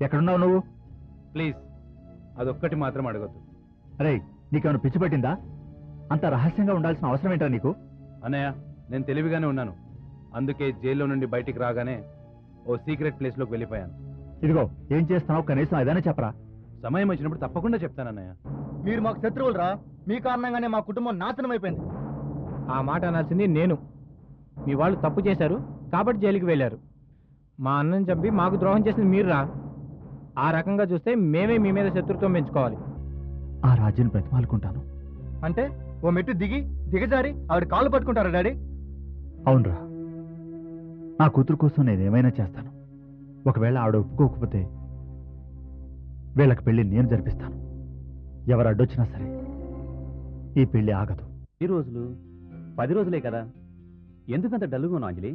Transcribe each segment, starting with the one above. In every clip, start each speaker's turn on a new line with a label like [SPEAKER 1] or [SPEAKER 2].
[SPEAKER 1] ఎక్కడున్నావు నువ్వు?
[SPEAKER 2] ప్లీజ్ అదొక్కటి మాత్రం అడగద్దు.
[SPEAKER 1] అరే, నీకేమైనా పిచ్చి పట్టిందా? అంత రహస్యంగా ఉండాల్సిన అవసరం ఏంటా నీకు?
[SPEAKER 2] అన్నయ్య, నేను తెలివిగానే ఉన్నాను. అందుకే జైల్లో నుండి బయటికి రాగానే ఓ సీక్రెట్ ప్లేస్లోకి వెళ్ళిపోయాను.
[SPEAKER 1] ఇదిగో, ఏం చేస్తున్నావు కనీసం ఏదైనా చెప్పరా?
[SPEAKER 2] సమయం వచ్చినప్పుడు తప్పకుండా చెప్తానన్నయ్య.
[SPEAKER 3] మీరు మాకు శత్రువులరా, మీ కారణంగానే మా కుటుంబం నాశనం అయిపోయింది.
[SPEAKER 4] ఆ మాట అనాల్సింది నేను. మీ వాళ్ళు తప్పు చేశారు కాబట్టి జైలుకి వెళ్ళారు. మా అన్నని చంపి మాకు ద్రోహం చేసింది మీరురా. ఆ రకంగా చూస్తే మేమే మీ మీద శత్రుత్వం పెంచుకోవాలి.
[SPEAKER 1] ఆ రాజ్యం బ్రతిమాలుకుంటాను.
[SPEAKER 3] అంటే ఓ మెట్టు దిగజారి ఆవిడ కాళ్ళు పట్టుకుంటారా డాడీ?
[SPEAKER 1] అవునరా, నా కూతురు కోసం నేనేమైనా చేస్తాను. ఒకవేళ ఆవిడ ఒప్పుకోకపోతే వీళ్ళకి పెళ్లి నేను జరిపిస్తాను. ఎవరు అడ్డొచ్చినా సరే ఈ పెళ్లి ఆగదు.
[SPEAKER 5] ఈ రోజులు 10 రోజులే కదా, ఎందుకంత డల్లుగా అంజలి?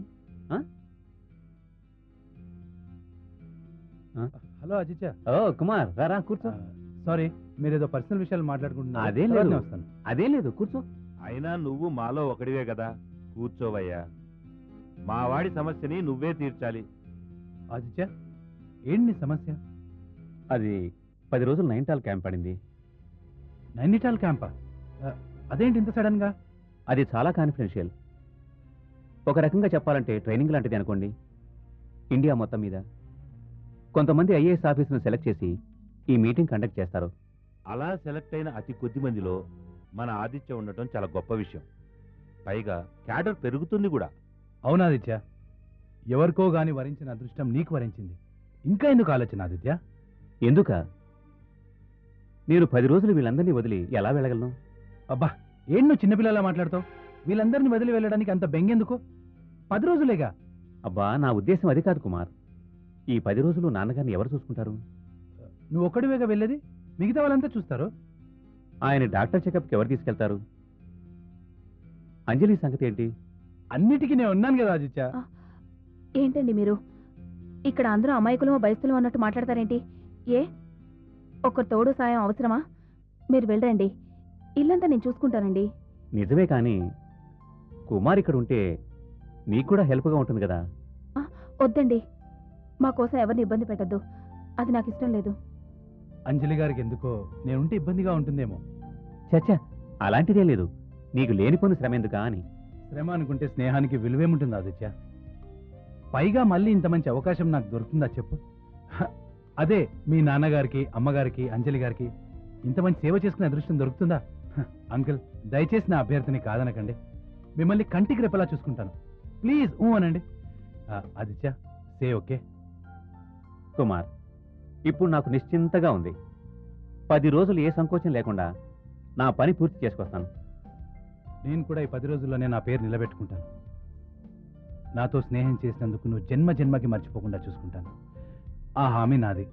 [SPEAKER 2] హలో అజిత్య.
[SPEAKER 5] ఓ కుమార్, రా కూర్చో.
[SPEAKER 2] సారీ, మీరేదో పర్సనల్ విషయాలు మాట్లాడుకుంటున్నారు.
[SPEAKER 5] అదేం లేదు, అదేం లేదు, కూర్చో.
[SPEAKER 6] అయినా నువ్వు మాలో ఒకడివే కదా, కూర్చోవయ్యా. మా వాడి సమస్యని నువ్వే తీర్చాలి.
[SPEAKER 2] ఆదిత్య, ఏంటి సమస్య?
[SPEAKER 5] అది 10 రోజులు నైనిటాల్ క్యాంప్ పడింది.
[SPEAKER 2] నైనిటాల్ క్యాంపా? అదేంటి ఇంత సడన్ గా?
[SPEAKER 5] అది చాలా కాన్ఫిడెన్షియల్. ఒక రకంగా చెప్పాలంటే ట్రైనింగ్ లాంటిది అనుకోండి. ఇండియా మొత్తం మీద కొంతమంది ఐఏఎస్ ఆఫీసును సెలెక్ట్ చేసి ఈ మీటింగ్ కండక్ట్ చేస్తారు.
[SPEAKER 6] అలా సెలెక్ట్ అయిన అతి కొద్ది మందిలో మన ఆదిత్య ఉండటం చాలా గొప్ప విషయం. పైగా క్యాడర్ పెరుగుతుంది కూడా.
[SPEAKER 2] అవునాదిత్య, ఎవరికో గాని వరించిన అదృష్టం నీకు వరించింది. ఇంకా ఎందుకు ఆలోచన ఆదిత్య?
[SPEAKER 5] ఎందుక? నేను 10 రోజులు వీళ్ళందరినీ వదిలి ఎలా వెళ్ళగలను?
[SPEAKER 2] అబ్బా, ఏం నువ్వు చిన్నపిల్లలా మాట్లాడతావు? వీళ్ళందరినీ వదిలి వెళ్ళడానికి అంత బెంగెందుకు? 10 రోజులేగా.
[SPEAKER 5] అబ్బా, నా ఉద్దేశం అది కాదు కుమార్. ఈ 10 రోజులు నాన్నగారిని ఎవరు చూసుకుంటారు?
[SPEAKER 2] నువ్వు ఒక్కడివేగా వెళ్ళేది, మిగతా వాళ్ళంతా చూస్తారు.
[SPEAKER 5] ఆయన డాక్టర్ చెకప్కి ఎవరు తీసుకెళ్తారు? అంజలి సంగతి ఏంటి?
[SPEAKER 2] అన్నిటికీ నేను ఉన్నాను కదా ఆదిత్య.
[SPEAKER 7] ఏంటండి మీరు ఇక్కడ అందరూ అమాయకులమో బయస్తులు అన్నట్టు మాట్లాడతారేంటి? ఏ ఒక్కరు తోడు సాయం అవసరమా? మీరు వెళ్ళండి, ఇల్లంతా నేను చూసుకుంటానండి.
[SPEAKER 5] నిజమే, కానీ కుమార్ ఇక్కడ ఉంటే నీకు కూడా హెల్ప్గా ఉంటుంది కదా.
[SPEAKER 7] వద్దండి, మా కోసం ఎవరిని ఇబ్బంది పెట్టద్దు, అది నాకు ఇష్టం లేదు.
[SPEAKER 2] అంజలి గారికి ఎందుకో నేనుంటే ఇబ్బందిగా ఉంటుందేమో.
[SPEAKER 5] చచ్చా, అలాంటిదే లేదు. నీకు లేనిపోని శ్రమ ఎందుకా అని.
[SPEAKER 2] శ్రమ అనుకుంటే స్నేహానికి విలువేముంటుంది ఆదిత్య? పైగా మళ్ళీ ఇంత మంచి అవకాశం నాకు దొరుకుతుందా చెప్పు? అదే మీ నాన్నగారికి, అమ్మగారికి, అంజలి గారికి ఇంత మంచి సేవ చేసుకునే అదృష్టం దొరుకుతుందా? అంకుల్, దయచేసి నా అభ్యర్థిని కాదనకండి. మిమ్మల్ని కంటికి రెప్పలా చూసుకుంటాను. ప్లీజ్ అనండి. Aditya, say okay.
[SPEAKER 5] కుమార్, ఇప్పుడు నాకు నిశ్చింతగా ఉంది. 10 రోజులు ఏ సంకోచం లేకుండా నా పని పూర్తి చేసుకొస్తాను.
[SPEAKER 2] నేను కూడా ఈ 10 రోజుల్లోనే నా పేరు నిలబెట్టుకుంటాను. నాతో స్నేహం చేసినందుకు నువ్వు జన్మ జన్మకి మర్చిపోకుండా చూసుకుంటాను. ఆ హామీ నాది.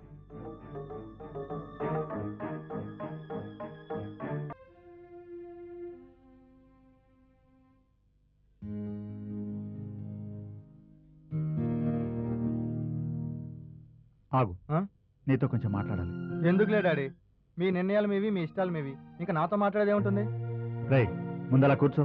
[SPEAKER 1] ఆగు, నీతో కొంచెం మాట్లాడాలి.
[SPEAKER 3] ఎందుకులే డాడీ, మీ నిర్ణయాలు మీవి, మీ ఇష్టాలు మీవి. ఇంకా నాతో మాట్లాడేది ఏముంటుంది?
[SPEAKER 1] రేయ్, ముందలా కూర్చో.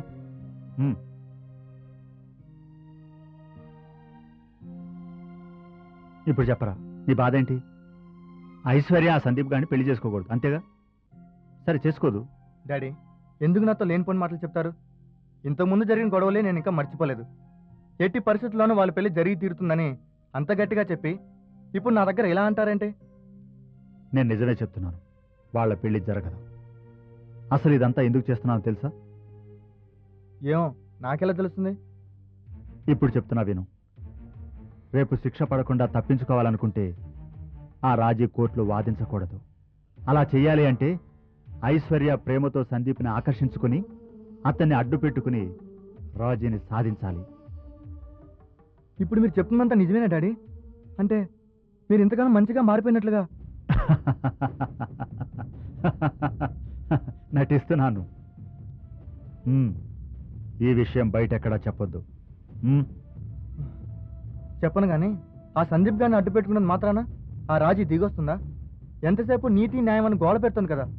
[SPEAKER 1] ఇప్పుడు చెప్పరా, నీ బాధ ఏంటి? ఐశ్వర్య ఆ సందీప్ గారిని పెళ్లి చేసుకోకూడదు, అంతేగా? సరే, చేసుకోదు.
[SPEAKER 3] డాడీ, ఎందుకు నాతో లేనిపోని మాటలు చెప్తారు? ఇంతకుముందు జరిగిన గొడవలే నేను ఇంకా మర్చిపోలేదు. ఎట్టి పరిస్థితుల్లోనూ వాళ్ళ పెళ్లి జరిగి తీరుతుందని అంత గట్టిగా చెప్పి ఇప్పుడు నా దగ్గర ఎలా అంటారంటే?
[SPEAKER 1] నేను నిజమే చెప్తున్నాను, వాళ్ళ పెళ్లి జరగదు. అసలు ఇదంతా ఎందుకు చేస్తున్నానో తెలుసా?
[SPEAKER 3] ఏమో, నాకెలా తెలుస్తుంది?
[SPEAKER 1] ఇప్పుడు చెప్తున్నా విను. రేపు శిక్ష పడకుండా తప్పించుకోవాలనుకుంటే ఆ రాజీ కోర్టులో వాదించకూడదు. అలా చెయ్యాలి అంటే ఐశ్వర్య ప్రేమతో సందీప్ని ఆకర్షించుకుని అతన్ని అడ్డు పెట్టుకుని రాజీని సాధించాలి.
[SPEAKER 3] ఇప్పుడు మీరు చెప్తున్నంత నిజమేనా డాడీ? అంటే మీరు ఇంతగానో మంచిగా మారిపోయినట్లుగా.
[SPEAKER 1] నటిస్తున్నాను. ఈ విషయం బయట ఎక్కడా చెప్పొద్దు.
[SPEAKER 3] చెప్పను కానీ ఆ సందీప్ గారిని అడ్డు పెట్టుకున్నది మాత్రాన ఆ రాజీ దిగొస్తుందా? ఎంతసేపు నీతి న్యాయం అని గోడ పెడుతుంది కదా.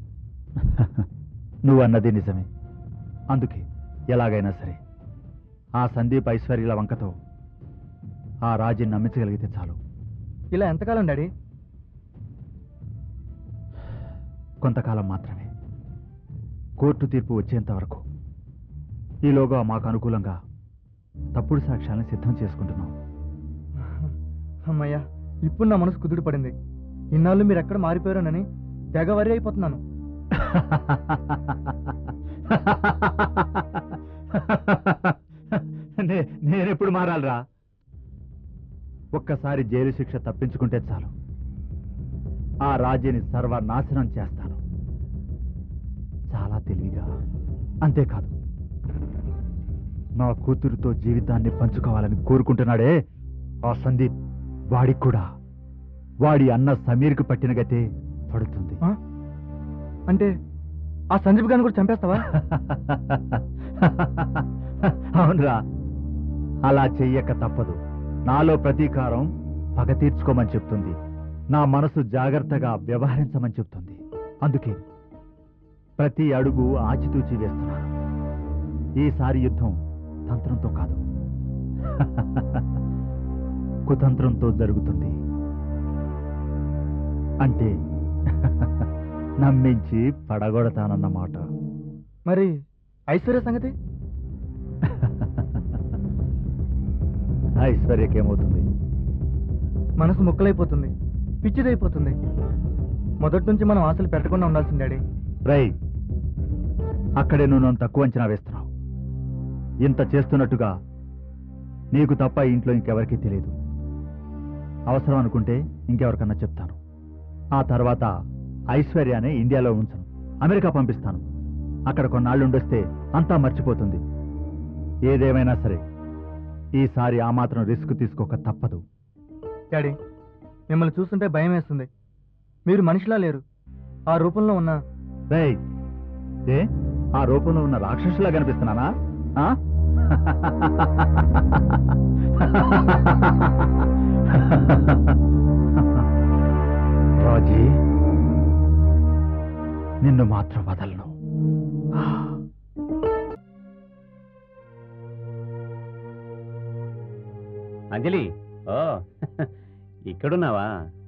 [SPEAKER 1] నువ్వు అన్నది నిజమే. అందుకే ఎలాగైనా సరే ఆ సందీప్ ఐశ్వర్యల వంకతో ఆ రాజీని నమ్మించగలిగితే చాలు.
[SPEAKER 3] ఇలా ఎంతకాలం డాడీ?
[SPEAKER 1] కొంతకాలం మాత్రమే. కోర్టు తీర్పు వచ్చేంత వరకు. ఈలోగా మాకు అనుకూలంగా తప్పుడు సాక్ష్యాలను సిద్ధం చేసుకుంటున్నాం.
[SPEAKER 3] అమ్మయ్యా, ఇప్పుడు నా మనసు కుదుట పడింది. ఇన్నాళ్ళు మీరు ఎక్కడ మారిపోయారోనని తెగ వరి అయిపోతున్నాను.
[SPEAKER 1] నేనెప్పుడు మారాలరా? ఒక్కసారి జైలు శిక్ష తప్పించుకుంటే చాలు, ఆ రాజీని సర్వనాశనం చేస్తాను. చాలా తెలివిగా. అంతేకాదు, నా కూతురుతో జీవితాన్ని పంచుకోవాలని కోరుకుంటున్నాడే ఆ సందీప్, వాడికి కూడా వాడి అన్న సమీర్కి పట్టిన గతే పడుతుంది.
[SPEAKER 3] అంటే ఆ సందీప్ గారిని కూడా చంపేస్తావా?
[SPEAKER 1] అవునరా, అలా చెయ్యక తప్పదు. నాలో ప్రతీకారం పగ తీర్చుకోమని చెప్తుంది. నా మనసు జాగ్రత్తగా వ్యవహరించమని చెప్తుంది. అందుకే ప్రతి అడుగు ఆచితూచి వేస్తున్నాను. ఈసారి యుద్ధం తంత్రంతో కాదు, కుతంత్రంతో జరుగుతుంది. అంటే నమ్మించి పడగొడతానన్నమాట.
[SPEAKER 3] మరి ఐశ్వర్య సంగతి?
[SPEAKER 1] ఐశ్వర్యకేమవుతుంది?
[SPEAKER 3] మనసు ముక్కలైపోతుంది, పిచ్చిదైపోతుంది. మొదటి నుంచి మనం ఆశలు పెట్టకుండా ఉండాల్సింది డాడీ.
[SPEAKER 1] రై, అక్కడే నువ్వు నన్ను తక్కువ అంచనా వేస్తున్నావు. ఇంత చేస్తున్నట్టుగా నీకు తప్ప ఇంట్లో ఇంకెవరికీ తెలియదు. అవసరం అనుకుంటే ఇంకెవరికన్నా చెప్తాను. ఆ తర్వాత ఐశ్వర్యాన్ని ఇండియాలో ఉంచను, అమెరికా పంపిస్తాను. అక్కడ కొన్నాళ్ళు ఉండొస్తే అంతా మర్చిపోతుంది. ఏదేమైనా సరే ఈసారి ఆ మాత్రం రిస్క్ తీసుకోక తప్పదు.
[SPEAKER 3] డాడీ, మిమ్మల్ని చూస్తుంటే భయం వేస్తుంది. మీరు మనిషిలా లేరు. ఆ రూపంలో ఉన్న
[SPEAKER 1] రేయ్, ఏ ఆ రూపంలో ఉన్న రాక్షసులా కనిపిస్తున్నానా? ఆ? రాజీ, నిన్ను మాత్రం వదలను.
[SPEAKER 5] అంజలి, ఓ ఇక్కడున్నావా?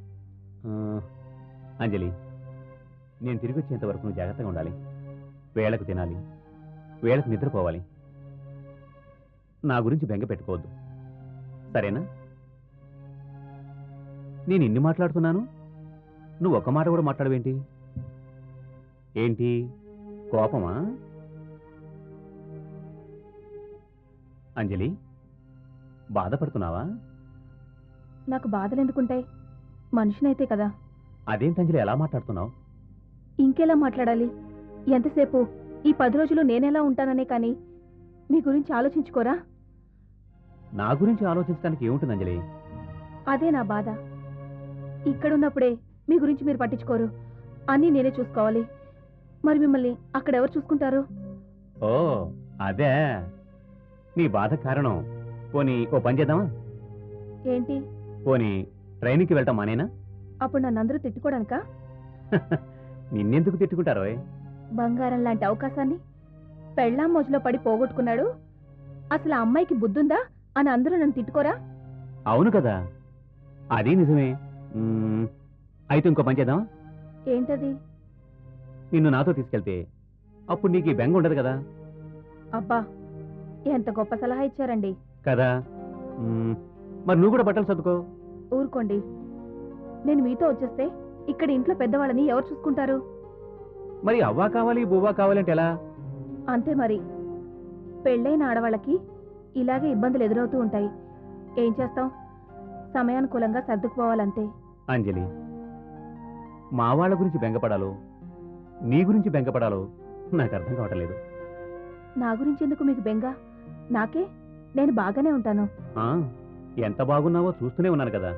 [SPEAKER 5] అంజలి, నేను తిరిగి వచ్చేంత వరకు నువ్వు జాగ్రత్తగా ఉండాలి. వేళకు తినాలి, వేళకు నిద్రపోవాలి. నా గురించి బెంగ పెట్టుకోవద్దు, సరేనా? నేను ఇన్ని మాట్లాడుతున్నాను, నువ్వు ఒక్క మాట కూడా మాట్లాడవేంటి? ఏంటి, కోపమా? అంజలి, బాధపడుతున్నావా?
[SPEAKER 7] నాకు బాధలు ఎందుకుంటాయి? మనిషినైతే కదా.
[SPEAKER 5] అదేంటి అంజలి ఎలా మాట్లాడుతున్నావు?
[SPEAKER 7] ఇంకెలా మాట్లాడాలి? ఎంతసేపు ఈ 10 రోజులు నేనెలా ఉంటాననే కానీ మీ గురించి ఆలోచించుకోరా?
[SPEAKER 5] నా గురించి ఆలోచించడానికి ఏముంటుంది అంజలి?
[SPEAKER 7] అదే నా బాధ. ఇక్కడున్నప్పుడే మీ గురించి మీరు పట్టించుకోరు, అన్నీ నేనే చూసుకోవాలి. మరి మిమ్మల్ని అక్కడెవరు చూసుకుంటారు?
[SPEAKER 5] ఓ అదే నీ బాధ కారణం. పోనీ ఓ పని చేద్దామా?
[SPEAKER 7] ఏంటి?
[SPEAKER 5] పోనీ ట్రైన్కి వెళ్తాం మానేనా?
[SPEAKER 7] అప్పుడు నన్నందరూ తిట్టుకోడానికా?
[SPEAKER 5] నిన్నెందుకు తిట్టుకుంటారో?
[SPEAKER 7] బంగారం లాంటి అవకాశాన్ని పెళ్ళాం మోజులో పడి పోగొట్టుకున్నాడు. అసలు ఆ అమ్మాయికి బుద్ధుందా అని అందరూ నన్ను తిట్టుకోరా?
[SPEAKER 5] అవును కదా, అది నిజమే. అయితే ఇంకో పని చేద్దామా?
[SPEAKER 7] ఏంటది?
[SPEAKER 5] నిన్ను నాతో తీసుకెళ్తే అప్పుడు నీకు ఈ బెంగ ఉండదు కదా.
[SPEAKER 7] అబ్బా, ఎంత గొప్ప సలహా ఇచ్చారండి.
[SPEAKER 5] కదా, మరి నువ్వు కూడా బట్టలు సర్దుకో.
[SPEAKER 7] ఊరుకోండి, నేను మీతో వచ్చేస్తే ఇక్కడ ఇంట్లో పెద్దవాళ్ళని ఎవరు చూసుకుంటారు?
[SPEAKER 5] మరి అవ్వా కావాలి బువ్వా కావాలంటే ఎలా?
[SPEAKER 7] అంతే మరి. పెళ్ళైన ఆడవాళ్ళకి ఇలాగే ఇబ్బందులు ఎదురవుతూ ఉంటాయి. ఏం చేస్తాం, సమయానుకూలంగా సర్దుకుపోవాలంతే.
[SPEAKER 5] అంజలి, మా వాళ్ళ గురించి బెంగపడాలో నీ గురించి బెంగపడాలో నాకు అర్థం కావట్లేదు.
[SPEAKER 7] నా గురించి ఎందుకు మీకు బెంగ? నాకే, నేను బాగానే ఉంటాను.
[SPEAKER 5] ఎంత బాగున్నావో చూస్తూనే ఉన్నాను కదా.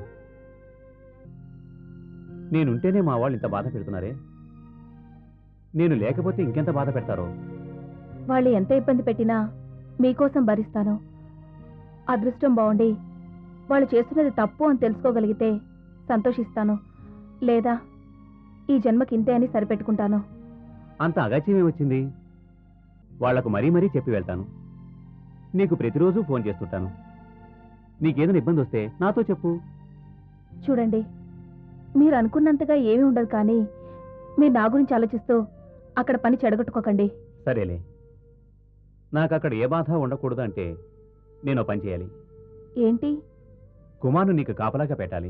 [SPEAKER 5] నేనుంటేనే మా వాళ్ళు ఇంత బాధ పెడుతున్నారే, నేను లేకపోతే ఇంకెంత బాధ పెడతారో.
[SPEAKER 7] వాళ్ళు ఎంత ఇబ్బంది పెట్టినా మీకోసం భరిస్తాను. అదృష్టం బాగుండి వాళ్ళు చేస్తున్నది తప్పు అని తెలుసుకోగలిగితే సంతోషిస్తాను. లేదా ఈ జన్మకి ఇంతే అని సరిపెట్టుకుంటాను.
[SPEAKER 5] అంత అగాచ్యమే వచ్చింది. వాళ్లకు మరీ మరీ చెప్పి వెళ్తాను. నీకు ప్రతిరోజు ఫోన్ చేస్తుంటాను. నీకేదైనా ఇబ్బంది వస్తే నాతో చెప్పు.
[SPEAKER 7] చూడండి, మీరు అనుకున్నంతగా ఏమీ ఉండదు, కానీ మీరు నా గురించి ఆలోచిస్తూ అక్కడ పని చెడగొట్టుకోకండి.
[SPEAKER 5] సరేలే, నాకు అక్కడ ఏ బాధ ఉండకూడదు అంటే నేను ఓ పని చేయాలి.
[SPEAKER 7] ఏంటి?
[SPEAKER 5] కుమార్ను నీకు కాపలాగా పెట్టాలి.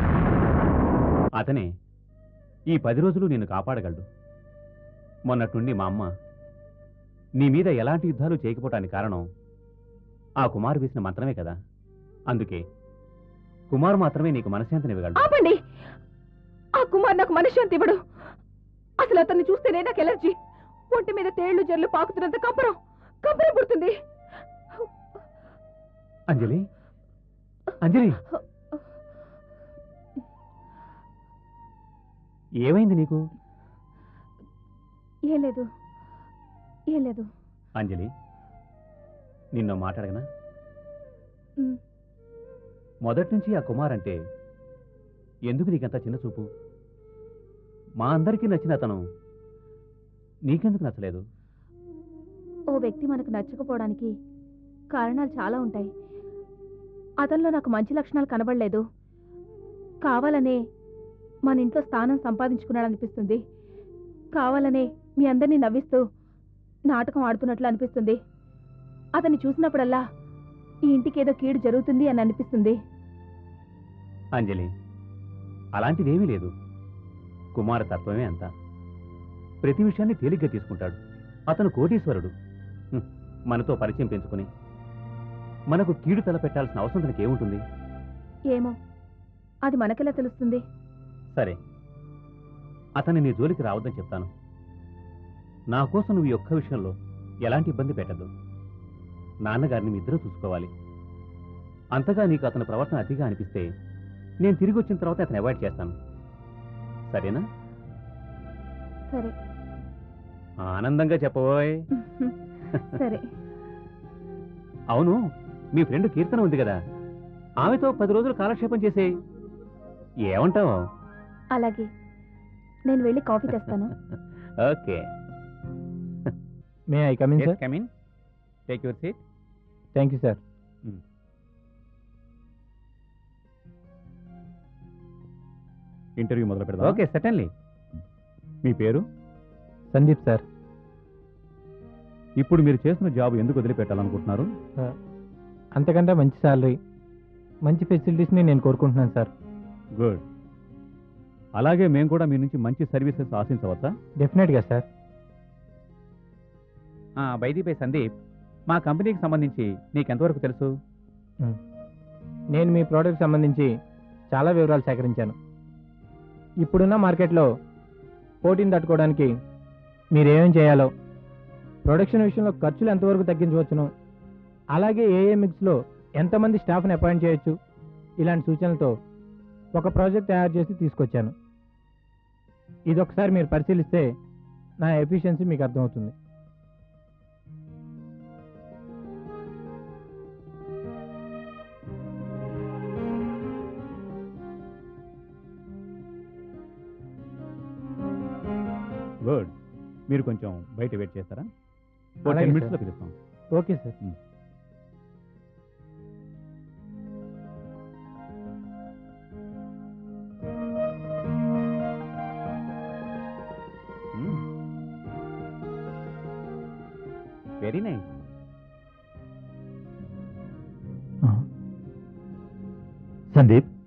[SPEAKER 5] అతనే ఈ 10 రోజులు నిన్ను కాపాడగలడు. మొన్నట్టుండి మా అమ్మ నీ మీద ఎలాంటి యుద్ధాలు చేయకపోవటానికి కారణం ఆ కుమారు వేసిన మంత్రమే కదా. అందుకే కుమార్ మాత్రమే నీకు మనశ్శాంతినివ్వగలడు.
[SPEAKER 7] ఆపండి! ఆ కుమార్ నాకు మనశ్శాంతి ఇవ్వడు. అసలు అతన్ని చూస్తేనే నాకు ఎలర్జీ. ఒంటి మీద తేళ్లు జర్లు పాకుతున్నంత కంపరం పుడుతుంది.
[SPEAKER 5] అంజలి, అంజలి, ఏమైంది నీకు?
[SPEAKER 7] ఏం లేదు, ఏం లేదు.
[SPEAKER 5] అంజలి, నిన్నో మాట్లాడగనా?
[SPEAKER 7] ఉమ్,
[SPEAKER 5] మొదటి నుంచి ఆ కుమార్ అంటే ఎందుకు నీకంత చిన్న చూపు? మా అందరికీ నచ్చిన అతను నీకెందుకు నచ్చలేదు?
[SPEAKER 7] ఓ వ్యక్తి మనకు నచ్చకపోవడానికి కారణాలు చాలా ఉంటాయి. అతనిలో నాకు మంచి లక్షణాలు కనబడలేదు. కావాలనే మన ఇంట్లో స్థానం సంపాదించుకున్నాడు అనిపిస్తుంది. కావాలనే మీ అందరినీ నవ్విస్తూ నాటకం ఆడుతున్నట్లు అనిపిస్తుంది. అతన్ని చూసినప్పుడల్లా ఈ ఇంటికి ఏదో కీడు జరుగుతుంది అని అనిపిస్తుంది.
[SPEAKER 5] అంజలి, అలాంటిదేమీ లేదు. కుమార తత్వమే అంతా. ప్రతి విషయాన్ని తేలిగ్గా తీసుకుంటాడు. అతను కోటీశ్వరుడు. మనతో పరిచయం పెంచుకుని మనకు కీడు తలపెట్టాల్సిన అవసరం తనకి ఏముంటుంది?
[SPEAKER 7] ఏమో, అది మనకెలా తెలుస్తుంది?
[SPEAKER 5] సరే, అతన్ని నీ జోలికి రావద్దని చెప్తాను. నా కోసం నువ్వు ఈ ఒక్క విషయంలో ఎలాంటి ఇబ్బంది పెట్టద్దు. నాన్నగారిని మీ ఇద్దరూ చూసుకోవాలి. అంతగా నీకు అతని ప్రవర్తన అతిగా అనిపిస్తే నేను తిరిగి వచ్చిన తర్వాత అతను అవాయిడ్ చేస్తాను. సరేనా?
[SPEAKER 7] సరే.
[SPEAKER 5] ఆనందంగా చెప్పబోయ్.
[SPEAKER 7] సరే.
[SPEAKER 5] అవును, మీ ఫ్రెండ్ కీర్తన ఉంది కదా, ఆమెతో 10 రోజులు కాలక్షేపం చేసేయి. ఏమంటావు?
[SPEAKER 7] అలాగే, నేను వెళ్ళి కాఫీ తెస్తాను.
[SPEAKER 5] Okay.
[SPEAKER 4] May I come in, sir?
[SPEAKER 5] Come in. Take your seat.
[SPEAKER 4] Thank you, sir.
[SPEAKER 5] Interview మొదలు పెడదాం. Okay, certainly. మీ పేరు?
[SPEAKER 4] సందీప్, సార్.
[SPEAKER 5] ఇప్పుడు మీరు చేస్తున్న జాబ్ ఎందుకు వదిలిపెట్టాలనుకుంటున్నారు?
[SPEAKER 4] అంతకంటే మంచి శాలరీ, మంచి ఫెసిలిటీస్ని నేను కోరుకుంటున్నాను, సార్.
[SPEAKER 5] గుడ్. అలాగే మేము కూడా మీ నుంచి మంచి సర్వీసెస్ ఆశించవచ్చా?
[SPEAKER 4] డెఫినెట్గా, సార్.
[SPEAKER 5] బైదీపై సందీప్, మా కంపెనీకి సంబంధించి నీకెంతవరకు తెలుసు?
[SPEAKER 4] నేను మీ ప్రోడక్ట్ సంబంధించి చాలా వివరాలు సేకరించాను. ఇప్పుడున్న మార్కెట్లో పోటీని తట్టుకోవడానికి మీరేమేం చేయాలో, ప్రొడక్షన్ విషయంలో ఖర్చులు ఎంతవరకు తగ్గించవచ్చును, అలాగే ఏ మిక్స్లో ఎంతమంది స్టాఫ్ని అపాయింట్ చేయొచ్చు, ఇలాంటి సూచనలతో ఒక ప్రాజెక్ట్ తయారు చేసి తీసుకొచ్చాను. ఇదొకసారి మీరు పరిశీలిస్తే నా ఎఫిషియన్సీ మీకు అర్థమవుతుంది.
[SPEAKER 5] గుడ్. మీరు కొంచెం బయట వెయిట్ చేస్తారా?
[SPEAKER 4] అలాగే
[SPEAKER 5] 10 మినిట్స్లో
[SPEAKER 4] సార్.
[SPEAKER 5] పిలుస్తాం.
[SPEAKER 4] Okay, sir.
[SPEAKER 5] Very nice.
[SPEAKER 1] Sandeep,